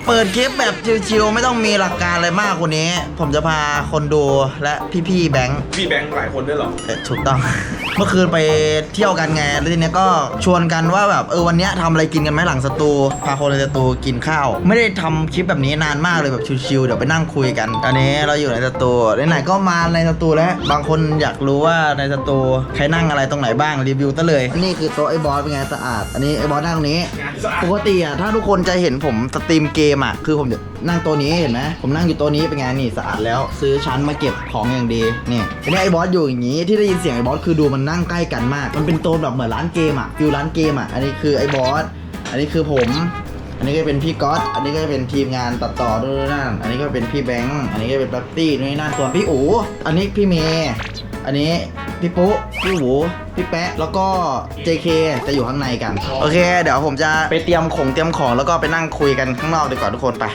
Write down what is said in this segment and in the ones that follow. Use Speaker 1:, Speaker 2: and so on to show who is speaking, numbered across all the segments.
Speaker 1: เปิดคลิปแบบชิวๆไม่ต้องมีหลักการอะไรมากกว่านี้ผมจะพาคนดูและพี่ๆแบงค์
Speaker 2: พี่แบงค์หลายคนด้วยเหรอ
Speaker 1: ถูกต้อง เมื่อคืนไปเที่ยวกันไงแล้วทีเนี้ยก็ชวนกันว่าแบบวันเนี้ยทำอะไรกินกันไหมหลังสตูพาคนในสตูกินข้าวไม่ได้ทำคลิปแบบนี้นานมากเลยแบบชิวๆเดี๋ยวไปนั่งคุยกันอันนี้เราอยู่ในสตูไหนๆก็มาในสตูแล้วบางคนอยากรู้ว่าในสตูใครนั่งอะไรตรงไหนบ้างรีวิวซะเลยนี่คือโต๊ะไอ้บอสเป็นไงสะอาดอันนี้ไอ้บอสนั่งตรงนี้ปกติอ่ะถ้าทุกคนจะเห็นผมสตรีมเกมอ่ะคือผมจะนั่งโต๊ะนี้เห็นไหมผมนั่งอยู่โต๊ะนี้เป็นไงนี่สะอาดแล้วซื้อชั้นมาเก็บของอย่างดีนี่อันนี้ไอ้บอสอยู่อย่างนี้ที่ได้ยินเสียงไอ้บอสคือดูมันนั่งใกล้กันมากมันเป็นโซนแบบเหมือนร้านเกมอ่ะฟิลร้านเกมอ่ะอันนี้คือไอ้บอสอันนี้คือผมอันนี้ก็เป็นพี่ก๊อตอันนี้ก็เป็นทีมงานตัดต่อด้วยนั่นอันนี้ก็เป็นพี่แบงค์อันนี้ก็เป็นแป๊บตี้ด้วยนั่นส่วนพี่อู๋อันนี้พี่เมย์อันนี้พี่ปุ๊พี่หูพี่แป๊ะแล้วก็ JK จะอยู่ข้างในกันโอเคเดี๋ยวผมจะไปเตรียมของแล้วก็ไปนั่งคุยกันข้างนอกดีกว่าทุกคนไป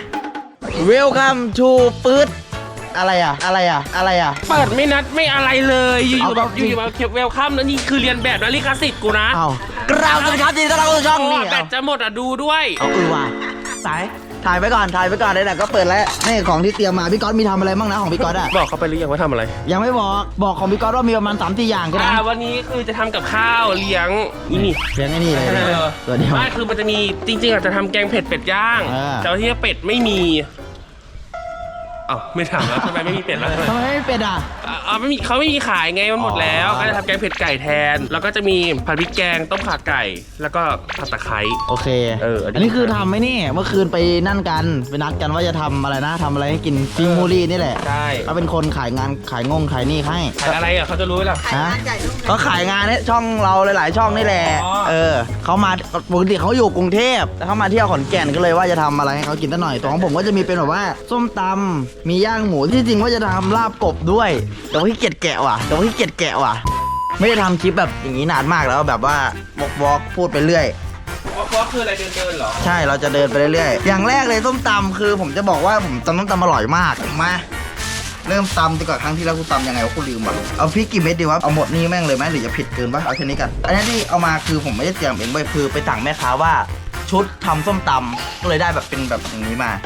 Speaker 1: Welcome to ปื๊ดอะไรอ่ะ
Speaker 3: เปิดไม่นัดไม่อะไรเลยอยู่ๆแบบอยู่ๆมาเวลคัมแล้วนี่คือเรียนแบบนะลิขสิทธิ์กูนะ
Speaker 1: อ้าวกราบสวัสดีครับทีนี้ต้อนรับเข้าสู่ช่องนี่
Speaker 3: แบตจะหมดอ่ะดูด้วย
Speaker 1: เอาว่ะสายถ่ายไปก่อนไหนๆก็เปิดแล้วนี่ของที่เตรียมมาพี่ก๊อตมีทำอะไรบ้างนะของพี่ก๊อตอ่ะ
Speaker 3: บอกเขาไปหรือยังว่าทำอะไร
Speaker 1: ยังไม่บอกของพี่ก๊อตว่ามีประมาณ 3-4 อย่างแค่นั้น
Speaker 3: วันนี้คือจะทำกับข้าวเลี้ยงอีนี่
Speaker 1: เลี้ยงไอ้นี่เลยตัวเดียว
Speaker 3: ไม่คือมันจะมีจริงๆอาจจะทำแกงเผ็ดเป็ดย่าง แต่ว่าที่เป็ดไม่มีอ้าวไม่ถามแล้วทำไมไม่มีเป็ดแล้ว
Speaker 1: ทำไมไม่เป็นอ่ะ
Speaker 3: ไม่มีเขาไม่มีขายไงมันหมดแล้วก็จะทำแกงเผ็ดไก่แทน แล้วก็จะมีผัดพริกแกงต้มข่าไก่ แล้วก็ผัดตะไคร้
Speaker 1: โอเค
Speaker 3: อันนี้
Speaker 1: อันนี้คือทำไหมนี่เมื่อคืนไปนั่นกันไปนัดกันว่าจะทำอะไรนะทำอะไรให้กินฟิมูรี่นี่แหละ
Speaker 3: ใช่
Speaker 1: เขาเป็นคนขายงานขายขายนี่ให้
Speaker 3: ขายอะไรอ่ะเขาจะรู้ไหมล่ะ
Speaker 1: ฮะเขาขายงานเนี่ยช่องเราหลายๆช่องนี่แหละ
Speaker 3: อ๋อ
Speaker 1: เขามาปกติเขาอยู่กรุงเทพแต่เขามาเที่ยวขอนแก่นก็เลยว่าจะทำอะไรให้เขากินสักหน่อยตัวของผมก็จะมีเป็นแบบว่าส้มตำมีย่างหมูที่จริงว่าจะทำลาบกบด้วยแต่ว่าขี้เกียจแกะว่ะไม่ได้ทำคลิปแบบอย่างนี้นานมากแล้วแบบว่าวอล์กพูดไปเรื่อย
Speaker 3: ว่าคืออะไรเดินเหรอ
Speaker 1: ใช่เราจะเดินไปเรื่อยๆอย่างแรกเลยส้มตำคือผมจะบอกว่าผมตำส้มตำอร่อยมากมาเริ่มตำดีกว่าครั้งที่แล้วกูตำยังไงวะกูลืมว่ะเอาพริกกี่เม็ดดีวะเอาหมดนี่แม่งเลยไหมหรือจะผิดเกินปะเอาแค่นี้กันอันนี้ที่เอามาคือผมไม่ได้เตรียมเองเว้ยคือไปสั่งแม่ค้าว่าชุดทำส้มตำก็เลยได้แบบเป็นแบบอย่างนี้มา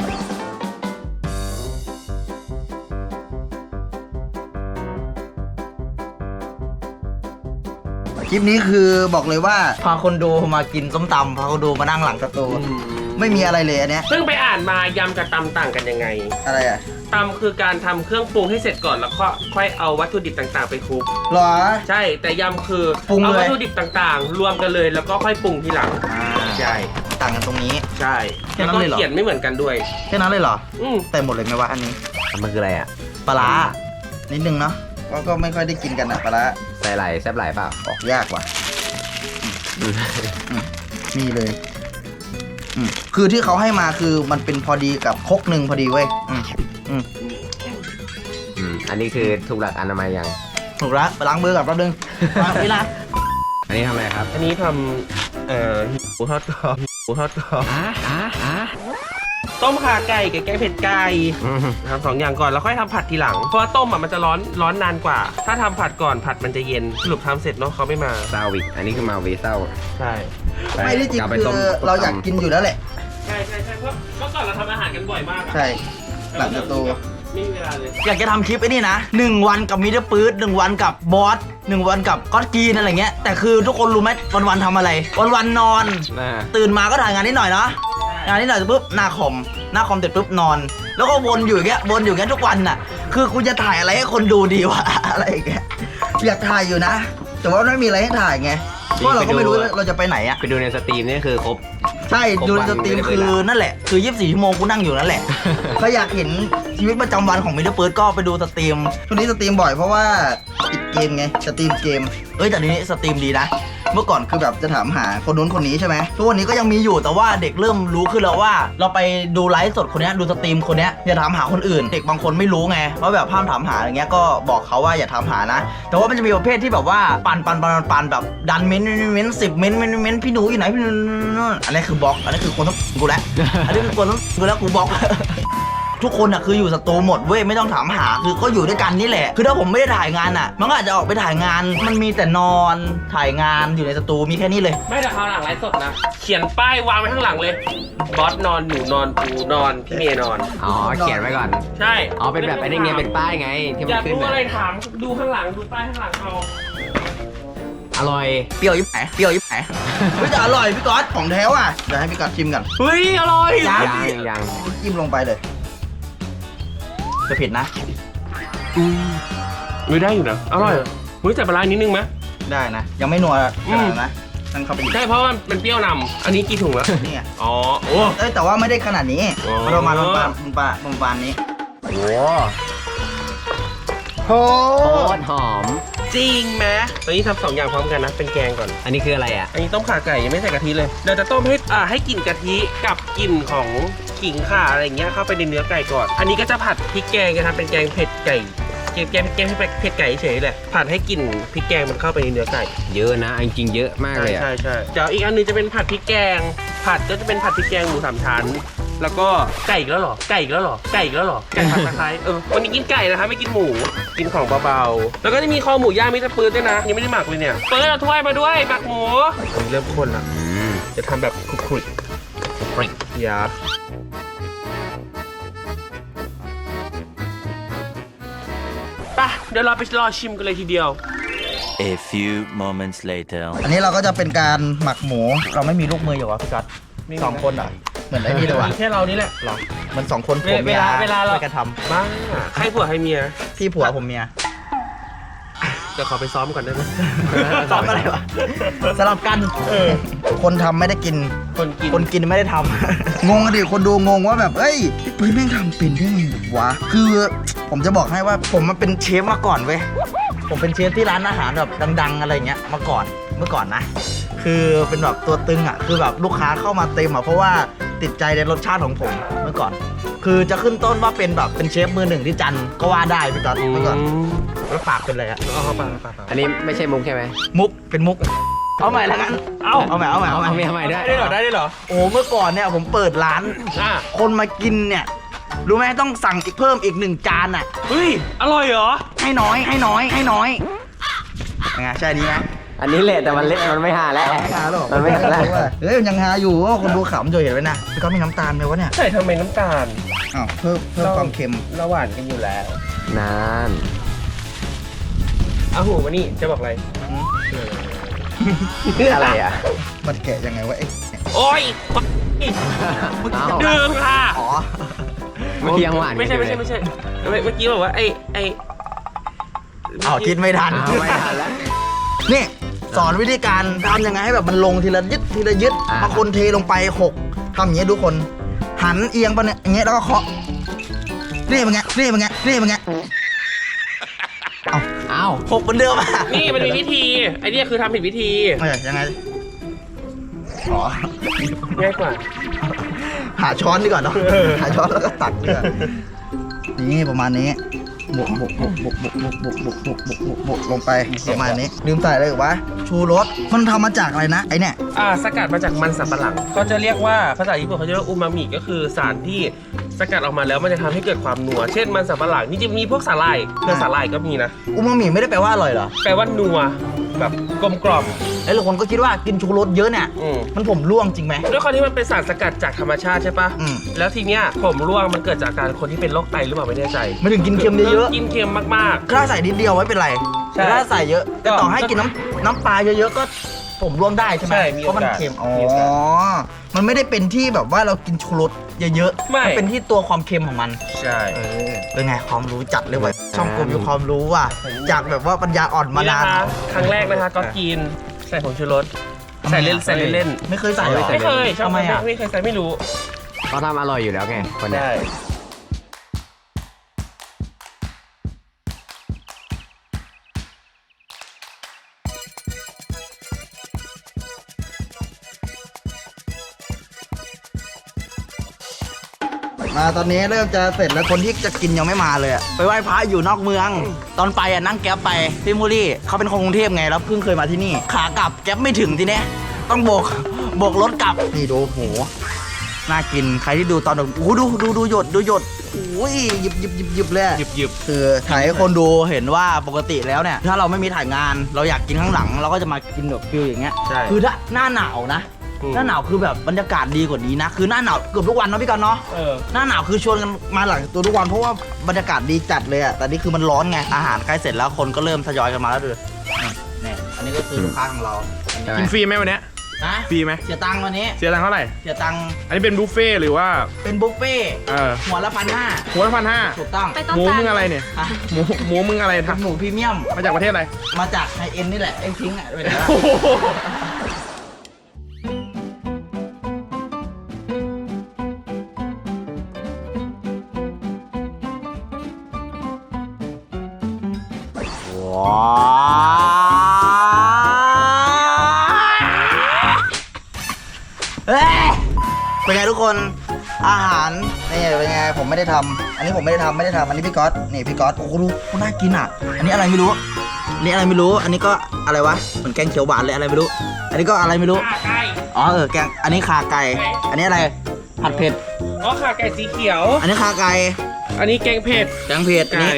Speaker 1: คลิปนี้คือบอกเลยว่าพาคนดูมากินส้มตำพาคนดูมานั่งหลังสตูไม่มีอะไรเลยอันเนี้ย
Speaker 3: เพิ่งไปอ่านมายำกับตำต่างกันยังไง
Speaker 1: อะไรอ่ะ
Speaker 3: ตำคือการทำเครื่องปรุงให้เสร็จก่อนแล้วก็ค่อยเอาวัตถุดิบต่างๆไปคลุก
Speaker 1: หรอ
Speaker 3: ใช่แต่ยำคือ
Speaker 1: ปรุงเลย
Speaker 3: เอาวัตถุดิบต่างๆ รวมกันเลยแล้วก็ค่อยปรุงทีหลัง ใช่
Speaker 1: ต่างกันตรงนี้
Speaker 3: ใช่
Speaker 1: แค่
Speaker 3: แล้ว
Speaker 1: นั้น
Speaker 3: ก็
Speaker 1: เลยเหรอ
Speaker 3: เขียนไม่เหมือนกันด้วย
Speaker 1: แค่นั้นเลยเหรอ
Speaker 3: แต่
Speaker 1: แต่หมดเลยไหมวะอันนี้
Speaker 4: มันคืออะไรอ่ะ
Speaker 1: ปลาร้านิดนึงเนาะก็ไม่ค่อยได้กินกันอะปลาร้า
Speaker 4: ใส่ไหลแซบไหลเปล่า
Speaker 1: ออกยากว่ะนี่เลยคือที่เขาให้มาคือมันเป็นพอดีกับครกหนึ่งพอดีเว้ย
Speaker 4: อันนี้คือถูกหลักอนามัยยัง
Speaker 1: ถูกแล้วไปล้างมือก่อนแป๊บนึงล้างนี่นะ
Speaker 4: อันนี้ทำอะไรครับ
Speaker 3: อันนี้ทำหมูทอดกรอบต้มข่าไก่กับแกงเผ็ดไก่ทำ2 อย่างก่อนแล้วค่อยทำผัดทีหลังเพราะว่าต้มอ่ะมันจะร้อนนานกว่า ถ้าทำผัดก่อนผัดมันจะเย็นสรุปทำเสร็จเนาะเขาไม่มา
Speaker 4: ซาวิกอันนี้คือมาวีเศร้า
Speaker 3: ใช่
Speaker 1: ไม่ได้จริง
Speaker 4: กลับไป
Speaker 1: คื
Speaker 4: ต้ม
Speaker 1: อเราอยากกินอยู่แล้วแหละ
Speaker 3: ใช่เพราะเมื่อก่อนเราทำอาหารกันบ่อยมากอะ
Speaker 1: ใช่หลังจากตัว
Speaker 3: ไม่มีเวลาเลย
Speaker 1: อยากจะทำคลิปไอ้นี่นะ1 วันกับมิเตอร์ปื๊ด1 วันกับบอส1 วันกับก๊อตกรีนอะไรเงี้ยแต่คือทุกคนรู้ไหมวันๆทำอะไรวันๆนอน ตื่นมาก็ถ่ายงานนิดหน่อยเนาะงานนิดหน่อยปุ๊บหน้าคอมเสร็จปุ๊บนอน แล้วก็วนอยู่อย่างเงี้ยทุกวันน่ะคือกูจะถ่ายอะไรให้คนดูดีวะ อะไรอย่างเงี้ยอยากถ่ายอยู่นะ แต่ว่าไม่มีอะไรให้ถ่ายไงเพราะเราก็ไม่รู้เราจะไปไหนอะ
Speaker 4: ไปดูในสตรีมนี่คือครบ
Speaker 1: ใช่ดูในสตรีมคือนั่นแหละคือ24 ชั่วโมงกูนั่งอยู่นั่นแหละ ถ้าอยากเห็นชีวิตประจำวันของมิเตอร์เปิร์ดก็ไปดูสตรีมช่วงนี้สตรีมบ่อยเพราะว่าติดเกมไงสตรีมเกมแต่ทีนี้สตรีมดีนะเมื่อก่อนคือแบบจะถามหาคนนู้นคนนี้ใช่ไหมทุกวันนี้ก็ยังมีอยู่แต่ว่าเด็กเริ่มรู้ขึ้นแล้วว่า เราไปดูไลฟ์สดคนนี้ดูสตรีมคนนี้อย่าถามหาคนอื่น เด็กบางคนไม่รู้ไงว่าแบบห้ามถามหาอย่างเงี้ยก็บอกเขาว่าอย่าถามหานะแต่ว่ามันจะมีประเภทที่แบบว่าปั่นแบบดันเม้น10 เม้นพี่หนูอยู่ไหนพี่หนูอันนี้คือบล็อกอันนี้คือคนต้องกูแล้วอันนี้คือคนต้องกูแล้วกูบล็อกทุกคนอ่ะคืออยู่สตูหมดเว้ยไม่ต้องถามหาคือก็อยู่ด้วยกันนี่แหละคือถ้าผมไม่ได้ถ่ายงานอ่ะมันก็อาจจะออกไปถ่ายงานมันมีแต่นอนถ่ายงานอยู่ในสตูมีแค่นี้เลย
Speaker 3: ไม่แต่คราวหลังไลฟ์สดนะเขียนป้ายวางไว้ข้างหลังเลยบอสนอนหนูนอนปูนอนพี่เมย์นอน
Speaker 4: อ๋อเขียนไว้ก่อน
Speaker 3: ใช่
Speaker 4: อ๋อเป็นแบบไอ้นี่ไงเป็นป้ายไงที่
Speaker 3: อ
Speaker 4: มัน
Speaker 3: ยาก
Speaker 4: ขึ้น
Speaker 3: รู้
Speaker 4: อะ
Speaker 3: อะไรถามดูข้างหลังดูป้ายข้างหลังเอา
Speaker 4: อร่อย
Speaker 1: เปรี้ยวยิบไหนเปรี้ยวยิบไหนไม่จะอร่อยพี่ก๊อตของแท้ว่ะเดี๋ยวให้พี่ก๊อตชิมกัน
Speaker 3: เฮ้ยอร่อย
Speaker 4: ยัง
Speaker 1: จิ้มลงไปเลยจะเผ็ดนะ
Speaker 3: ไม่ได้อยู่นะอร่อยเฮ้ยแต่ปลาร้านิดนึงไหม
Speaker 1: ได้นะ ยังไม่นัวขนาดนั้นนะตั้งเข้าไปอีก
Speaker 3: ใช่เพราะว่ามันเปรี้ยวนำอันนี้กี่ถุงแล้ว
Speaker 1: นี่ไง
Speaker 3: อ๋อโอ้
Speaker 1: เอ้ยแต่ว่าไม่ได้ขนาดนี้
Speaker 3: อ๋อ
Speaker 1: ประมาณประมาณนี้
Speaker 4: โอ้
Speaker 1: โอ้
Speaker 4: โคตรหอม
Speaker 3: จริงไหมตอนนี้ทำสองอย่างพร้อมกันนะเป็นแกงก่อน
Speaker 4: อันนี้คืออะไรอ่ะ
Speaker 3: อันนี้ต้มข่าไก่ยังไม่ใส่กะทิเลยเราจะต้มให้กลิ่นกะทิกับกลิ่นของขิงข่าอะไรอย่างเงี้ยเข้าไปในเนื้อไก่ก่อน อันนี้ก็จะผัดพริกแกงกันครับเป็นแกงเผ็ดไก่แกงเผ็ดไก่เฉยๆแหละผัดให้กลิ่นพริกแกงมันเข้าไปในเนื้อไก่
Speaker 4: เยอะนะจริงๆเยอะมากเลยอ่ะ
Speaker 3: ใช่เดี๋ยวอีกอันนึงจะเป็นผัดพริกแกงผัดก็จะเป็นผัดพริกแกงหมูสามชั้นแล้วก็ไก่อีกแล้วเหรอไก่ผัดตะไคร้วันนี้กินไก่นะคะไม่กินหมูกินของเบาๆแล้วก็จะมีคอหมูย่างมิสเตอร์ปืนด้วยนะยังไม่ได้หมักเลยเนี่ยเปิดเอาถ้วยมาด้วยหมักหมูเริ่มข้นละ จะทำแบบคลุกๆอย่าไปเดี๋ยวเราไปรอชิมกันเลยทีเดียว
Speaker 2: A few moments later.
Speaker 1: อันนี้เราก็จะเป็นการหมักหมูเราไม่มีลูกมืออยู่วะพี่ก๊อต
Speaker 3: ไม่มี
Speaker 1: สองคนเหรอเหมือนไอ้นี่เลยว่ะ
Speaker 3: มีแค่เรานี่แหละหรอ
Speaker 1: เหมือนสองคนผัวเมีย
Speaker 3: เวลาเรา
Speaker 1: ช่วยกันท
Speaker 3: บ้าใครผัวใครเมีย
Speaker 1: ำพี่ผัวผมเมีย
Speaker 3: เดี๋ยวขอไปซ้อมก่อนได้ไหม
Speaker 1: ซ้อมอะไรวะสลับกันคนทำไม่ได้กิน
Speaker 3: คนกิน
Speaker 1: ไม่ได้ทำ งงอะดิคนดูงงว่าแบบเอ้ยพี่ปืนแม่งทำเป็นได้ไงวะคือผมจะบอกให้ว่าผมมาเป็นเชฟมาก่อนเว้ยผมเป็นเชฟที่ร้านอาหารแบบดังๆอะไรเงี้ยมาก่อนเมื่อก่อนนะ คือเป็นแบบตัวตึงอ่ะคือแบบลูกค้าเข้ามาเต็มอ่ะเพราะว่าติดใจในรสชาติของผมเมื่อก่อน คือจะขึ้นต้นว่าเป็นแบบเป็นเชฟมือหนึ่งที่จันทร์ก็ว่าได้พี่ก๊อตเมื่อก่อนแล้วปากเป็นอะไรอ่ะ
Speaker 3: เอาปาก
Speaker 4: อันนี้ไม่ใช่มุกใช่ไหม
Speaker 1: มุกเป็นมุกเอาใหม่แล้วกันเอาใหม่
Speaker 4: เอาใหม่ได้
Speaker 3: ได้เหรอ
Speaker 1: โอ้เมื่อก่อนเนี่ยผมเปิดร้าน
Speaker 3: อ่ะ
Speaker 1: คนมากินเนี่ยรู้ไหมต้องสั่งอีกเพิ่มอีก1 จานอ่ะ
Speaker 3: เฮ้ยอร่อยเหรอ
Speaker 1: ให้น้อยยังไงใช่ดีไหม
Speaker 4: อันนี้แหละแต่มันเละมันไม่หาแล้ว
Speaker 1: ไม่หาหรอก
Speaker 4: มันไม่หาแล้ว
Speaker 1: เฮ้ยมันยังหาอยู่ว่าคนดูขำจะเห็นไว้นะพี่ก็มีน้ำตาลไหมวะเนี่ย
Speaker 3: ใส่ทำไมน้ำตาล
Speaker 1: อ้าวเพิ่มความเค็ม
Speaker 3: เราหวานกันอยู่แล้ว
Speaker 4: นาน
Speaker 3: เอาหูมานี่จะบอกอะไร
Speaker 4: อะไรอ่ะ
Speaker 1: มันแกะยังไงวะไอ้เนี่ย
Speaker 3: โอ้ย
Speaker 4: อ้าว
Speaker 3: ดื่มค่ะ
Speaker 1: อ๋อ
Speaker 4: เมื่อกี้ยังหวาน
Speaker 3: ไม่ใช่เมื่อกี้บอกว่าไอ้
Speaker 1: อ้าวคิดไม่ทัน
Speaker 4: อ้าวไม่ทันแล้ว
Speaker 1: นี่สอนวิธีการทำยังไงให้แบบมันลงทีละยึด
Speaker 4: อ่า
Speaker 1: บางคนเทลงไป6ทำอย่างเงี้ยทุกคนหันเอียงไปเนี่ยอย่างเงี้ยแล้วก็เคาะนี่เป็นไงเอา
Speaker 4: อ้าว
Speaker 1: 6เหมือนเดิมอ่ะ
Speaker 3: นี่มันมีวิธีไอ้เนี่ยคือทำผิดวิธี
Speaker 1: ยังไงอ๋อ
Speaker 3: ง่ายกว่า
Speaker 1: หาช้อนดีกว่าเนาะหาช้อนแล้วก็ตักดีกว่านี่ประมาณนี้บุกลงไปประมาณนี้ลืมใส่อะไรอีกวะชูรสมันทำมาจากอะไรนะไอเนี่ย
Speaker 3: สกัดมาจากมันสำปะหลังก็จะเรียกว่าภาษาญี่ปุ่นเขาจะเรียกว่าอูมามิก็คือสารที่สกัดออกมาแล้วมันจะทำให้เกิดความนัวเช่นมันสำปะหลังนี่จะมีพวกสาหร่ายเครือสาหร่ายก็มีนะ
Speaker 1: อูมามิไม่ได้แปลว่าอร่อยเหรอ
Speaker 3: แปลว่านัวแบบกลมกล่อม
Speaker 1: ไอ้หลายคนก็คิดว่ากินชูรสเยอะเนี่ย
Speaker 3: อืม
Speaker 1: มันผมร่วงจริงไหม
Speaker 3: ด้วยความที่มันเป็นสารสกัดจากธรรมชาติใช่ปะ
Speaker 1: อืม
Speaker 3: แล้วทีเนี้ยผมร่วงมันเกิดจากการคนที่เป็นโรคไตหรือเปล่าไม่แน่ใจ
Speaker 1: ไม่ถึงกินเค็มเยอะ
Speaker 3: กินเค็มมาก
Speaker 1: ๆถ้าใส่นิดเดียวไม่เป็นไร
Speaker 3: ใช่
Speaker 1: แต่ถ้าใส่เยอะแต่ต่อให้กินน้ำปลาเยอะๆก็ผมร่วงได้ใช่ไหม
Speaker 3: ใช่มี
Speaker 1: เพราะมัน
Speaker 3: โอกาส
Speaker 1: เค็มอ๋อ
Speaker 3: มีโอกาส
Speaker 1: มันไม่ได้เป็นที่แบบว่าเรากินชูรสเยอะๆ
Speaker 3: ไม่
Speaker 1: มันเป็นที่ตัวความเค็มของมัน
Speaker 3: ๆ ใช่
Speaker 1: เป็นไงความรู้จัดเลยว่ะช่องกูมีความรู้ว่ะจากแบบว่าปัญญาอ่อนมา
Speaker 3: นี่
Speaker 1: นา
Speaker 3: นะ
Speaker 1: น
Speaker 3: คะครั้งแรกนะคะก็กินใส่ผงชูรสใส่เล่น
Speaker 1: ไม่เคยใส่หรอ
Speaker 3: ไม่เคยชอบ
Speaker 1: ทำไมอ่ะ
Speaker 3: ไม่เคยใส่ไม่รู้
Speaker 4: เขาทำอร่อยอยู่แล้วไงคนเนี้ย
Speaker 3: ได้
Speaker 1: มาตอนนี้เริ่มจะเสร็จแล้วคนที่จะกินยังไม่มาเลยอะไปไหว้พระอยู่นอกเมือง ตอนไปอะนั่งแก๊ปไปพี่มูรี่เขาเป็นคนกรุงเทพไงแล้วเพิ่งเคยมาที่นี่ ขากลับแก๊ปไม่ถึงทีเนี้ยต้องโบกรถกลับนี่ดูโหน่ากินใครที่ดูตอนโอ้โหดูหยดหยิบเลย
Speaker 3: หยิบ
Speaker 1: คือถ่ายให้คนดูเห็นว่าปกติแล้วเนี่ยถ้าเราไม่มีถ่ายงานเราอยากกินข้างหลังเราก็จะมากินแบบฟิลอย่างเงี้ย
Speaker 3: ใช่
Speaker 1: คือถ้าหน้าหนาวนะ หน้าหนาวคือแบบบรรยากาศดีกว่านี้นะคือหน้าหนาวเกือบทุกวันเนาะพี่กันเนาะ หน้าหนาวคือชวนกันมาหลังตัวทุกวันเพราะว่าบรรยากาศดีจัดเลยอะแต่นี่คือมันร้อนไงอาหารใกล้เสร็จแล้วคนก็เริ่มทยอยกันมาแล้วดูนี่อันนี้ก็คือลูกค้าของเรา
Speaker 5: กินฟรีไหมวันเนี้ย
Speaker 1: นะ
Speaker 5: ฟรีไหม
Speaker 1: เสียตังค์วันนี้
Speaker 5: เสียตังค์เท่าไหร่
Speaker 1: เสียตังค์
Speaker 5: อันนี้เป็นบุฟเฟ่ต์หรือว่า
Speaker 1: เป็นบุฟเฟ่ต์ หัวละ1,500
Speaker 5: หัวละ1,500
Speaker 1: ถูกต้อง
Speaker 5: หมูมึงอะไรเนี่ย
Speaker 1: อ่ะ
Speaker 5: หมูมึงอะไร
Speaker 1: เป็
Speaker 5: ทั
Speaker 1: นหมูพรีเมียม
Speaker 5: มาจากประเทศอะไร
Speaker 1: มาจากไฮเอ็นนี่แหละเอ็งทิ้งอ่ะไปไหนละ
Speaker 5: โอ้โห
Speaker 1: ว้าวเฮ้ยเป็นไงทุกคนอาหารนี่เป็นไงผมไม่ได้ทำอันนี้ผมไม่ได้ทำอันนี้พี่ก๊อตนี่พี่ก๊อตโอ้โหดูน่ากินอ่ะอันนี้อะไรไม่รู้อันนี้อะไรไม่รู้อันนี้ก็อะไรวะเหมือนแกงเขียวหวานเลยอะไรไม่รู้อันนี้ก็อะไรไม่รู้
Speaker 3: ขาไก่
Speaker 1: อ๋อแกงอันนี้ขาไก่อันนี้อะไรผัดเผ็ด
Speaker 3: อ๋อขาไก่สีเขียว
Speaker 1: อันนี้ขาไก่
Speaker 3: อันนี้แกงเผ็ด
Speaker 1: แกงเผ็ดอัน
Speaker 3: ไก่
Speaker 1: นี้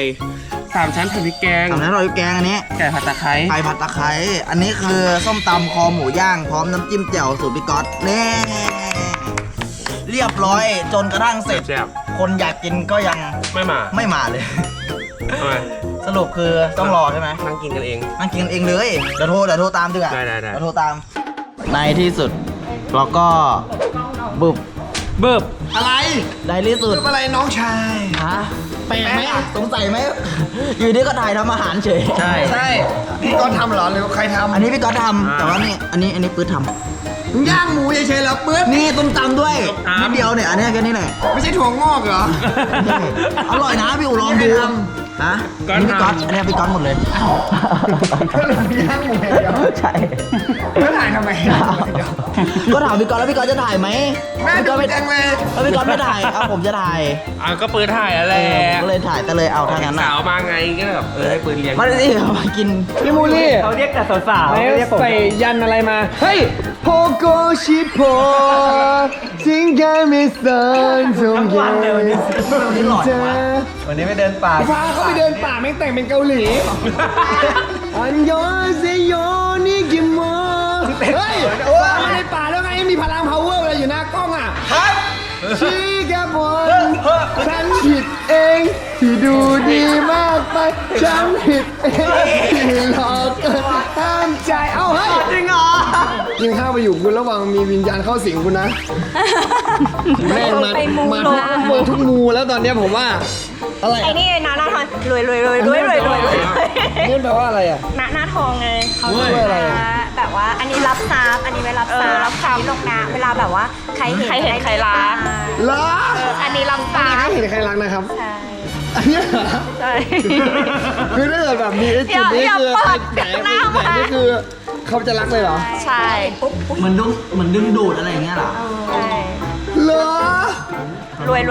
Speaker 3: 3 ชั้นผัดพริกแกง
Speaker 1: ทำนั้นเราแกงอันนี้
Speaker 3: ไก่ผัดตะไคร้
Speaker 1: ไก่ผัดตะไคร้อันนี้คือส้มตำคอหมูย่างพร้อมน้ำจิ้มแจ่วสูตรพี่ก๊อตนี่เรียบร้อยจนกระทั่งเสร็จ
Speaker 3: แซ่บ
Speaker 1: คนอยากกินก็ยัง
Speaker 3: ๆไม่มา
Speaker 1: ไม่มาเลย
Speaker 3: ทำไม
Speaker 1: สรุปคือต้องรอใช่ไหม
Speaker 3: นั่งกินกันเอง
Speaker 1: นั่งกินเองเลยเดี๋ยวโทรตามดีกว่า
Speaker 3: ได้
Speaker 1: เดี๋ยวโทรตามในที่สุดเราก็บึบ
Speaker 3: เบิบ
Speaker 1: อะไรในที่สุด
Speaker 5: อะไรน้องชาย
Speaker 1: ฮะแปลกไหมอ่ะสงสัยไหมอยู่ดีก็ถ่ายทำอาหารเฉย
Speaker 3: ใช่
Speaker 5: ใช่พี่ก๊อตทำเหรอหรือใครท
Speaker 1: อันนี้พี่ก๊อตทำแต่ว่านี่อันนี้ปื๊ดทำ
Speaker 5: ำมึงย่างหมูเฉยๆเหรอปื๊ด
Speaker 1: นี่ต้มตำด้วย
Speaker 3: ต้มตำ
Speaker 1: นิดเดียวเนี่ยอันนี้แค่นี้แหละ
Speaker 5: ไม่ใช่ถั่วงอกเหรอ
Speaker 1: อร่อยนะพี่อู๋ลองดู
Speaker 5: ไม่ได้ท
Speaker 1: ฮะ
Speaker 3: ก๊อต
Speaker 1: นี่พี่ก๊อต
Speaker 3: ทำ
Speaker 1: อันนี้พี่ก๊อตหมดเลย
Speaker 5: ก็เลยมีย่างหมูอย่างเดียว
Speaker 1: ใช่
Speaker 5: แล้วถ่ายทำไม
Speaker 1: ก็ถามพี่ก๊อตแล้วพี่ก๊อตจะถ่ายไหม
Speaker 5: แม่
Speaker 1: พี่
Speaker 5: ดู
Speaker 1: ก๊อตไม่
Speaker 5: จังเลย
Speaker 1: แล้วพี่ก๊อตไม่ถ่ายเอาผมจะถ่าย
Speaker 3: ก็ปืนถ่ายอะไร
Speaker 1: ผมก็เลยถ่ายแต่เลยเอาถ้างั้น
Speaker 3: สา
Speaker 1: อ่ะ
Speaker 3: วมาไงก็แบบให้ปืนเลี้ยง
Speaker 1: มาดิเอามากิน
Speaker 5: พี่มูลี่
Speaker 4: เขาเรียกแต่สาวๆ
Speaker 5: แล้วใส่ยันอะไรมา เฮ้ยโพโกชิโพสิงคามิสันทงเก
Speaker 1: นี่หล่อจังวะ
Speaker 4: วันนี้ไม่เดินป่า
Speaker 5: พาเขาไปเดินป่าแม่งแต่งเป็นเกาหลี อันยอนเซโยนิกิโมเฮ้ยว่ามาในป่าแล้วไงมีพลัง power อะไรอยู่หน้ากล้องอ่ะชิกาบอนฉันผิดเองที่ดูดีมากไป ฉันผิดเองที่หลอกเกินห้ามใจ เอ้าเฮ้ย
Speaker 1: จริงเหรอ
Speaker 5: กินข้าวไปอยู่คุณระวังมีวิญญาณเข้าสิงคุณนะ แม่งมาทุกมูแล้วตอนเนี้ยผมว่า อะไร
Speaker 6: ไอ้
Speaker 5: อ่ะ
Speaker 6: นี่นะหน้าทองรวย
Speaker 5: นี่แปลว่าอะไรอ่ะ
Speaker 6: หน้าทองไงเขา
Speaker 5: เว้ยอะไรอะ
Speaker 6: แบบว่าอันนี้รับทรัพย์อันนี้ไว้รับทรัพย์รับทรัพย์ลงนะเวลาแบบว่าใครเห็นใครรัก
Speaker 5: เหรอ
Speaker 6: อันนี้รับทรั
Speaker 5: ไม่
Speaker 6: พย์
Speaker 5: เห็นใครรักนะครับ
Speaker 6: ใช่
Speaker 5: อันเนี้ยเหรอ
Speaker 6: ใช่
Speaker 5: คือถ้าเกิดแบบมีไอ้จุดนี้
Speaker 6: อย่า
Speaker 5: คือ
Speaker 6: เปิด
Speaker 5: แหน
Speaker 6: หน้ามา
Speaker 5: นี่คือเขาจะรักเลยเหรอ
Speaker 6: ใช่ปุ๊บ
Speaker 1: เหมือนดึงดูดอะไรอย่างเงี้ยเหรอ
Speaker 6: ใช่
Speaker 5: เหรอ
Speaker 6: รวย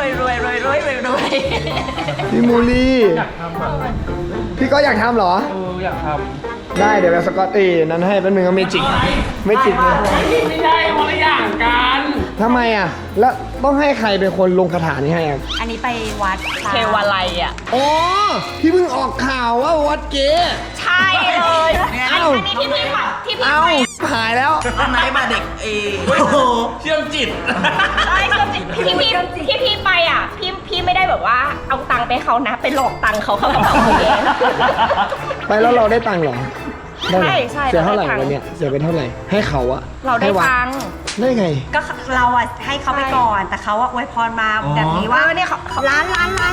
Speaker 5: พี่มูลี่พี่ก็อยากทำเหรอ
Speaker 3: อยากท
Speaker 5: ได้เดี๋ยวแบบสกอตตี้นั้นให้แป๊บนึงก็เมจิกเลย
Speaker 3: ำไม่ใช่คนละอย่างกัน
Speaker 5: ทำไมอ่ะ แล้วต้องให้ใครเป็นคนลงคาถานี้ให้อ่ะ
Speaker 6: อันนี้ไปวัดเทวาลัยอ่ะ
Speaker 5: อ๋อพี่เพิ่งออกข่าวว่าวัดเก๋
Speaker 6: ใช่เลยอันนี้ที่พี่ผัดที่พี่
Speaker 5: เอ้า
Speaker 6: ไป
Speaker 5: หายแล้ว
Speaker 1: ตอนไหนมาเด็กโอ้โห
Speaker 3: เชื่อมจิต
Speaker 6: ใช่ที่พี่ไปอ่ะพี่ไม่ได้แบบว่าเอาตังค์ไปเขานะไปหลอกตังค์เขาเขาบอกเอง
Speaker 5: ไปแล้วเราได้ตังค์เหรอได้เหรอ
Speaker 6: ใช่
Speaker 5: เสียเท่าไหร่
Speaker 6: เราได้ตังค์
Speaker 5: วันเนี้ยเสียไปเท่าไหร่ให้เขาอะ
Speaker 6: เราได้
Speaker 5: ให้วั
Speaker 6: ตังค์
Speaker 5: ได้ไง
Speaker 7: ก็เราอะให้เขาไปก่อน แต่เขาอะอวยพรมาแบบนี้ว่าเนี่ยเขาร้านใช่
Speaker 6: ร้าน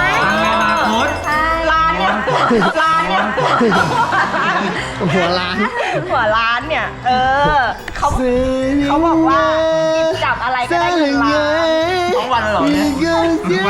Speaker 6: เนี่ยร้านเนี่ย
Speaker 5: หัวล้าน
Speaker 6: หัวร้านเนี่ยเขาบอกว่าหยิบจับอะไรก็ได้เงินล้าน
Speaker 1: ทั้งวันเลยเหรอเนี่ย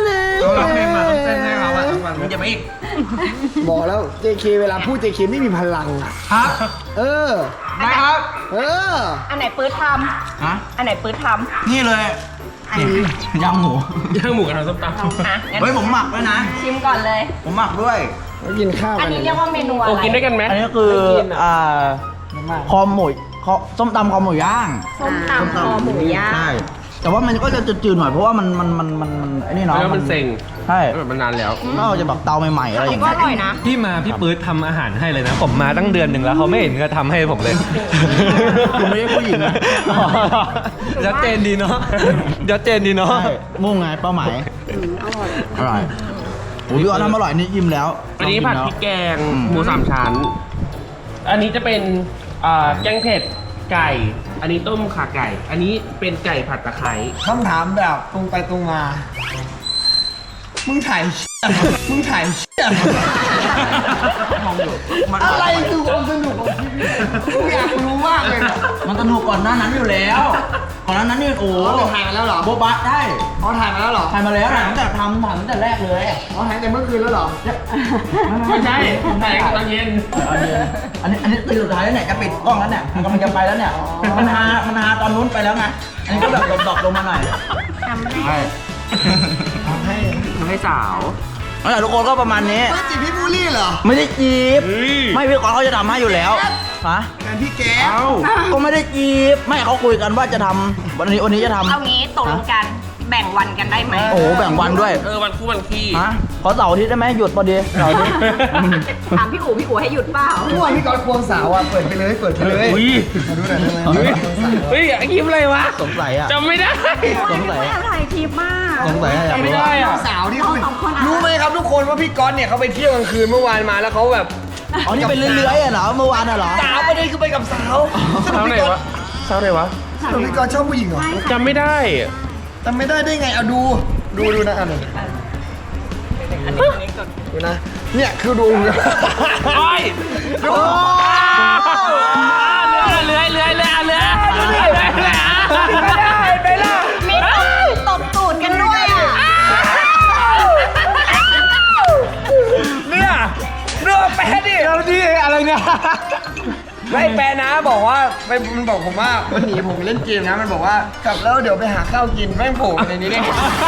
Speaker 1: มันจะไม่อีก
Speaker 5: บอกแล้ว JK เวลาพูด JK ไม่มีพลังอะ
Speaker 1: ครับ
Speaker 5: เออ
Speaker 1: นะครับ
Speaker 5: เออ
Speaker 6: อันไหนปื้ดท
Speaker 1: ฮะ
Speaker 6: ำอันไหนปื้ดทำ
Speaker 1: นี่เลยนี่ยำหมู
Speaker 3: ย่างหมูกับทำส้มตำ
Speaker 6: อ่ะงั้น
Speaker 1: เฮ้ยผมหมักด้วยนะ
Speaker 6: ชิมก่อนเลย
Speaker 1: ผมหมักด้วย
Speaker 5: แล้วกินข้าว
Speaker 6: อั
Speaker 5: กัน น
Speaker 6: นี้เรียกว่าเมนูอะไร
Speaker 3: โอ้กินด้วยกันไหม
Speaker 1: อันนี้คือคอหมูส้มตำคอหมูย่าง
Speaker 6: ส้มตำคอหมูย่าง
Speaker 1: ใช่แต่ว่ามันก็จะจืดๆหน่อยเพราะว่ามันไอ้นี่เนาะ
Speaker 3: แล้วมันเซ็ง
Speaker 1: ใช่
Speaker 3: แบบมันนานแล้ว
Speaker 1: ก็จะแบบเตาใหม่ๆอะไรอย่าง
Speaker 6: ก็
Speaker 1: เงี้
Speaker 6: อย ร่อยนะ
Speaker 4: พี่มาพี่ปื๊ดทำอาหารให้เลยนะ ผมมาตั้งเดือนหนึ่งแล้วเขาไม่เห็นก็ทำให้ผมเลย
Speaker 1: คุณไม่ใช่ผู้หญิงนะ
Speaker 4: ชัดเจนดีเนาะชัดเจนดีเนาะ
Speaker 1: ใช่มุ่งไงเป้าหมายอร่อยโอ้ยพี่ว่าทำอร่อยนี่ยิ้มแล้ว
Speaker 3: อันนี้ผัดพริกแกง
Speaker 1: อืม
Speaker 3: หมูสามชั้น อันนี้จะเป็นแกงเผ็ดไก่ อันนี้ต้มข่าไก่ อันนี้เป็นไก่ผัดตะไคร้
Speaker 5: คำถามแบบตรงไปตรงมา มึงถ่ายมึงถ่ายอะไรคือความสนุกของชีวิตกูอยากรู้มากเลยนะ
Speaker 1: มันสนุกก่อนหน้านั้นอยู่แล้ว ก่อนหน้านั้นนี่โอ้โห
Speaker 5: ถ่ายมาแล้วเหรอ
Speaker 1: โบบะได้
Speaker 5: อ๋อถ่ายมาแล้วเหรอ
Speaker 1: ถ่ายมาแล้วถ่ายตั้งแต่ถ่ายตั้งแต่แรกเลย
Speaker 5: อ๋อถ่ายแต่เมื่อคืนแล้วเหรอ
Speaker 3: ไม่ใช่แต่ตอนเย็น
Speaker 1: อันนี้ตีสุดท้ายแล้วเนี่ยจะปิดกล้องแล้วเนี่ยมันกำลังจะไปแล้วเนี่ยมันฮาตอนนู้นไปแล้วไงอันนี้ก็แบบดรอปลงมาหน่อยใช่
Speaker 3: ทำให้สาว
Speaker 1: นั่นแหละทุกคนก็ประมาณนี้
Speaker 5: ไม่จีบพี่บูลลี่เหรอ
Speaker 1: ไม่ได้จีบ
Speaker 3: เฮ้ย
Speaker 1: ไม่พี่กอนเขาจะทำให้อยู่แล้วฮะ
Speaker 5: งานพี่แก๊ป
Speaker 1: ก็ไม่ได้จีบไม่เขาคุยกันว่าจะทำวันนี้จะทำ
Speaker 6: เอางี้ตกลงกันแบ่งวันกันได้ไหม
Speaker 1: โอ้โหแบ่งวันด้วย
Speaker 3: วันคู่วันขี้
Speaker 1: ฮะขอเสาร์อาทิตย์ได้ไหมหยุดพอดีเสาร์อาทิตย์
Speaker 6: ถามพี่อู๋ให้หยุดเปล่า
Speaker 5: เมื่อวานพี่ก๊อตควงสาวอ่ะ เปิดไปเลย เปิดไปเลย
Speaker 3: อุ้ย
Speaker 5: มาดูหน่อยได้ไหม
Speaker 3: เฮ้ยคลิปอะไรวะ
Speaker 1: สงสัยอ่ะ
Speaker 3: จำไม่ได้
Speaker 1: สงสัย
Speaker 6: ไม่ถ่ายคลิปมาก
Speaker 1: สงสัยอะอยาก
Speaker 3: ไม่
Speaker 1: รู้
Speaker 3: ได้
Speaker 1: ว่า
Speaker 3: อะ
Speaker 5: สาวที่เขา
Speaker 6: สองคนอะ
Speaker 5: รู้ไหมครับทุกคนว่าพี่ก๊อตเนี่ยเขาไปเที่ยวกลางคืนเมื่อวานมาแล้วเขาแบบ
Speaker 1: อ๋อนี่เป็นเรื่อยๆอะเหรอเมื่อวานอะเหรอ
Speaker 5: สาวประเด็นคือไปกับสาว
Speaker 3: เช้าไหนวะเช้าไหนวะ
Speaker 5: สรุปพี่ก๊อตชอบผู้หญิงเหรอ
Speaker 3: จำไม่ได้
Speaker 5: จำไม่ได้ไงเอาดูนะอันนี้ดูนะ เนี่ยคือดู
Speaker 3: โอ้ย
Speaker 5: ดู
Speaker 3: เลื้อยไปละ
Speaker 6: มีตบตูดกันด้วยอ่ะ
Speaker 5: เนี่ยเรือแปะดิเราดิอะไรเนี่ยไม่แปะนะบอกว่ามันบอกผมว่ามันหนีผมไปเล่นเกมนะมันบอกว่ากลับแล้วเดี๋ยวไปหาข้าวกินแม่งโผล่มาในนี้ได้ไง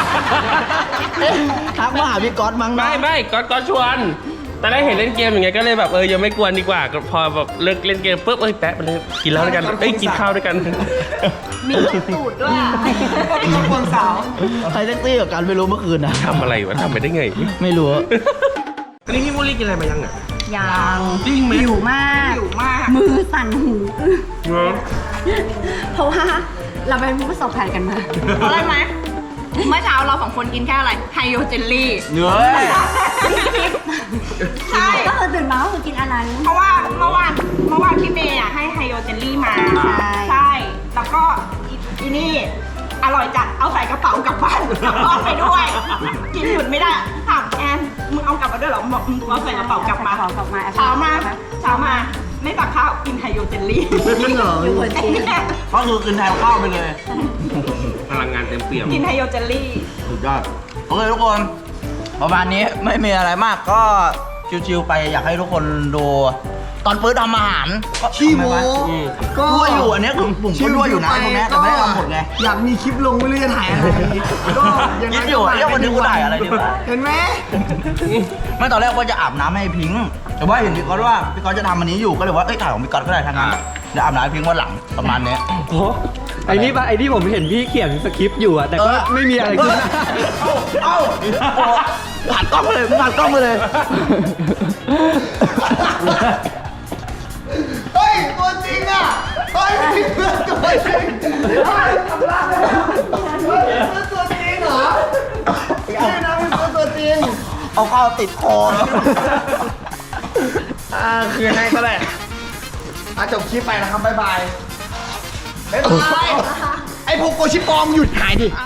Speaker 1: ทักมาหาพี่ก๊อตมั้งนะ
Speaker 3: ไม่ก็ชวนแต่ได้เห็นเล่นเกมอย่างเงี้ยก็เลยแบบยังไม่กวนดีกว่าก็พอแบบเลิกเล่นเกมปุ๊บแปะไปเลยกินแล้วด้วยกันกินข้าวด้วยกัน
Speaker 6: มีตบตูดด้วยอ่ะ
Speaker 5: คนควงสาว
Speaker 1: ใครแท็กซี่กับกันไม่รู้เมื่อคืนนะ
Speaker 3: ทำอะไรวะทำไปได้ไง
Speaker 1: ไม่รู้
Speaker 3: อันนี้พี่มูลี่กินอะไรมายังอ่ะ
Speaker 7: ยัง
Speaker 3: จริงไหม
Speaker 7: หิวมาก มือสั่นหูอื้อเพราะว่าเราเป็นผู้ประสบภัยกันมา
Speaker 6: เพราะอะไรไหมเมื่อเช้าเราสองคนกินแค่อะไรไฮโดรเจลลี่
Speaker 1: เนื้อ
Speaker 6: ใช่
Speaker 7: ก็คือตื่นมาก็คือกินอันนั้น
Speaker 6: เพราะว่าเมื่อวานพี่เมย์อ่ะให้ไฮโดรเจลลี่มา
Speaker 7: ใช่
Speaker 6: แล้วก็อีนี่อร่อยจัดเอาใส่กระเป๋ากลับบ้านกลับบ้านไปด้วย กินหยุดไม่ได้ถามแอนมึงเอากลับมาด้วยเหรอบอกมึงเอาใส่กระเป๋ากลับมา
Speaker 7: ใส่กระเป๋ากลับมา
Speaker 6: เช้ามาไม่ตักข้าวกินไฮโดรเจลลี่
Speaker 1: จริงเหรอ
Speaker 7: อยู่บนจริง
Speaker 1: ก็คือกินแทนข้าวไปเลย
Speaker 3: พลังงานเต็มเปี่ยม
Speaker 6: กินไฮโดรเจลลี่
Speaker 1: สุดยอดโอเคทุกคนประมาณนี้ไม่มีอะไรมากก็ชิวๆไปอยากให้ทุกคนดูตอนปื้ดทำอาหารก็
Speaker 5: ขี้โม
Speaker 1: ทำไวะ
Speaker 5: ก็
Speaker 1: รั่วอยู่อันเนี้ยคือผมก็รั่วอยู่นะตรงเนี้ยแต่ไม่ได้ทำหมดไง
Speaker 5: อยากมีคลิปลงไม่รู้จะถ่ายอะไรก็าง
Speaker 1: คิด
Speaker 5: นั้น
Speaker 1: อยู่
Speaker 5: ก็
Speaker 1: เอ้ยวันนี้กูถ่ายอะไรดีวะ
Speaker 5: เห็นไหม
Speaker 1: ไม่ตอนแรกว่าจะอาบน้ำให้พิงค์แต่ว่าเห็นพี่ก๊อตว่าพี่ก๊อตจะทำอันนี้อยู่ก็เลยว่าเอ้ยถ่ายของพี่ก๊อตก็ได้ทั้งนั้นเดี๋ยวอาบน้ำให้พิงค์วันหลังประมาณเนี้ย
Speaker 4: โอ้ไอ้นี่ผมเห็นพี่เขียนสคริปต์อยู่อะแต่ก็ไม่มีอะไรขึ้นหน้า
Speaker 1: เอ้าหันกล้องมาเลยหันกล้องมาเลย
Speaker 5: เฮ้ยตัวจริงอ่ะเฮ้ยเพื่อนตัวจริงเฮ้ยทำร้ายเลยเฮ้ยเพื่อนตัวจริงเหรอนี่นะเป็นเพื่อนตัวจริง
Speaker 1: เอาข้าวติดคอ
Speaker 5: คืนให้ก็ได้จบคลิปไปนะครับบ๊ายบายบ๊ายบายไอ้พวกโกชิปอมหยุดถ่ายดิ